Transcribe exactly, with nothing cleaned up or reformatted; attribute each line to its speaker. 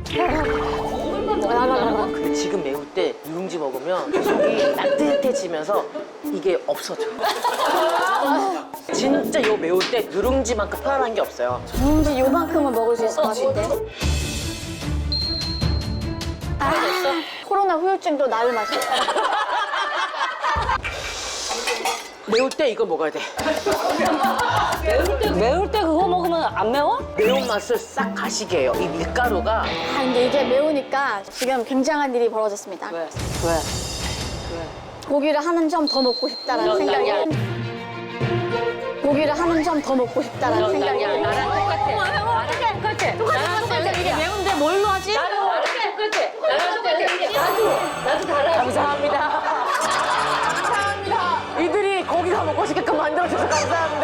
Speaker 1: 근데 지금 매울 때 누룽지 먹으면 속이 따뜻해지면서 이게 없어져. 진짜 요 매울 때 누룽지만큼 편안한 게 없어요.
Speaker 2: 누룽지 요만큼은 먹을 수 있을 것 같은데. 아, 코로나 후유증도 나을 맛이야.
Speaker 1: 매울 때 이거 먹어야 돼.
Speaker 3: 매울 때 그거 먹으면 안 매워?
Speaker 1: 매운맛을 싹 가시게 해요. 이 밀가루가.
Speaker 2: 아, 근데 이게 매우니까 지금 굉장한 일이 벌어졌습니다.
Speaker 3: 왜? 왜?
Speaker 2: 고기를 한 점 더 먹고 싶다라는 생각이. 고기를 한 점 더 먹고 싶다라는 생각이.
Speaker 3: 나랑 똑같아. 나랑 똑같아. 나랑 똑같아. 이게 매운데 뭘로 하지? 나랑 똑같아. 나랑 똑같아. 나도. 나도 달아.
Speaker 1: 감사합니다. 감사합니다. 이들이 고기가 먹고 싶게끔 만들어줘서 감사합니다.